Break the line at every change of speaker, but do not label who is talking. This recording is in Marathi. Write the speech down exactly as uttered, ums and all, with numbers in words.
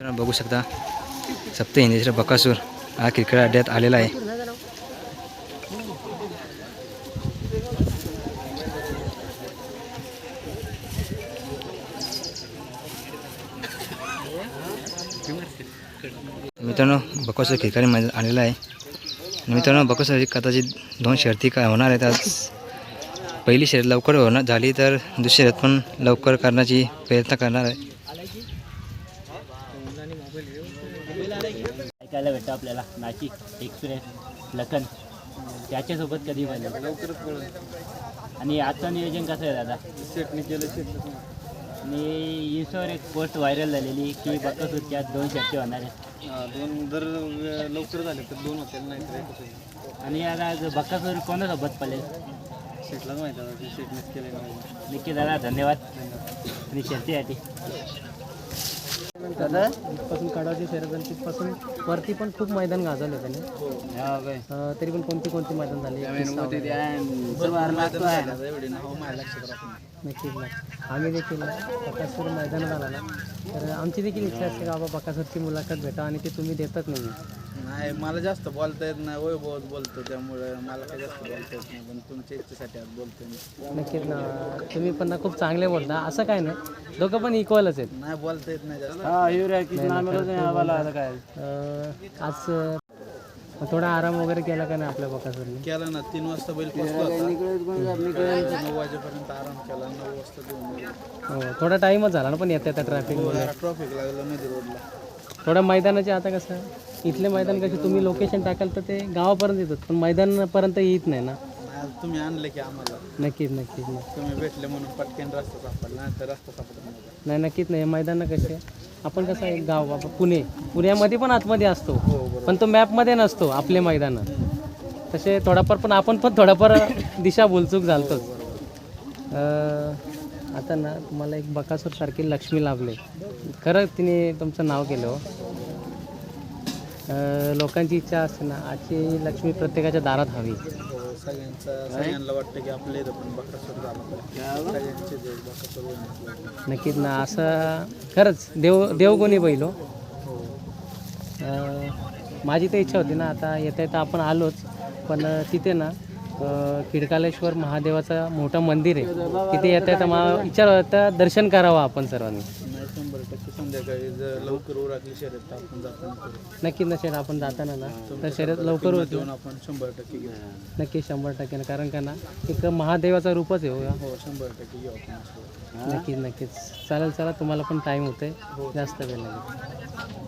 बघू शकता सप्त हिंदीचा बकासूर हा क्रिकेट अड्ड्यात आलेला आहे. मित्रांनो बकासूर क्रिकेट मध्ये आलेला आहे. मित्रांनो बकासूर कदाचित दोन शर्ती काय होणार आहेत. आज पहिली शर्यत लवकर होणार झाली तर दुसरी शर्यत पण लवकर करण्याची प्रयत्न करणार आहे.
ऐकायला भेटतं आपल्याला नाशिक एक्सप्रेस लखन त्याच्यासोबत कधी पाहिजे लवकरच कळलं. आणि आजचं नियोजन कसं आहे दादा? सेटने केलं सेट. आणि इंस्टावर एक पोस्ट व्हायरल झालेली की बकासूरच्या दोन शर्ती होणार आहेत.
दोन जर लवकर झाले तर दोन होतील नाही तर.
आणि आज बकासूर कोणासोबत पळेल?
सेटलाच माहिती आहे सेटनेच केलं.
नक्की दादा धन्यवाद. आणि शर्तीसाठी
दादा इथपासून काढायची शर्यत झाली तिथपासून वरती पण खूप मैदान गाजवले त्याने. अं, तरी पण कोणती कोणती मैदान झाली? नक्कीच ना. आम्ही देखील बकासूर मैदानात आला ना तर आमची देखील इच्छा असते का बाबा बकासूरची मुलाखत भेटा आणि ते तुम्ही देतात नाही.
नाही मला जास्त बोलता येत नाही. वय बहुत बोलतो त्यामुळे मला काही जास्त बोलता येत नाही. पण तुमच्या इच्छेसाठी आज बोलतो मी.
नक्कीच ना. तुम्ही पण ना खूप चांगले बोलता. असं काय नाही दोघं पण इक्वलच आहेत.
नाही बोलता येत नाही जास्त.
अं, आज अं, थोडा आराम वगैरे केला का नाही आपल्या बकासूरने?
केला ना. तीन वाजता बैल पोचला होता. नऊ वाजेपर्यंत आराम केला. नऊ वाजता घेऊन गेलो.
हो थोडा टाईमच झाला ना पण येता येता ट्रॅफिकमुळे.
ट्रॉफिक लागलं मध्ये रोडला.
थोडं मैदानाचे आता कसं इथले मैदान कसे तुम्ही लोकेशन टाकाल तर ते गावापर्यंत येतात पण मैदानापर्यंत येत नाही ना.
नाही तुम्ही आणले की आम्हाला.
नक्कीच नक्कीच नाही
तुम्ही भेटले म्हणून पटकन रस्ता सापडला नाही तर रस्ता सापडला नव्हता.
नाही नक्कीच नाही. मैदान कसे आपण कसं आहे गाव बाबा पुणे पुण्यामध्ये पण आतमध्ये असतो पण तो मॅपमध्ये नसतो आपले मैदान तसे थोडाफार. पण आपण पण थोडाफार दिशा बोलचूक झालतोच. आता ना तुम्हाला एक बकासूर सारखी लक्ष्मी लाभले. खरं तिने तुमचं नाव केलं हो. लोकांची इच्छा असते ना आजची लक्ष्मी प्रत्येकाच्या दारात हवी.
सगळ्यांचा सगळ्यांना वाटतं की आपल्या इथं पण बकासूर झाला पाहिजे. सगळ्यांचे देव बकासूर होण्यात.
नक्कीच ना. असं खरंच देव देवगुणी बैल हो. माझी तर इच्छा होती ना आता येता येता आपण आलोच पण तिथे ना खिडकालेश्वर महादेवाचं मोठं मंदिर आहे तिथे येता येता मला विचार होता दर्शन करावं आपण सर्वांनी.
नाही शंभर टक्के संध्याकाळी जर लवकर उरकली शर्यत तर आपण जाताना करू.
नक्कीच ना शर्यत आपण जाताना ना तर शर्यत लवकर होती.
देऊन आपण शंभर टक्के घेऊ.
नक्की शंभर टक्के ना. कारण का ना एक महादेवाचा रूपच आहे हो.
हो शंभर टक्के घेऊ आपण.
नक्कीच नक्कीच चालेल. चला तुम्हाला पण टाईम होते जास्त वेळ लागेल.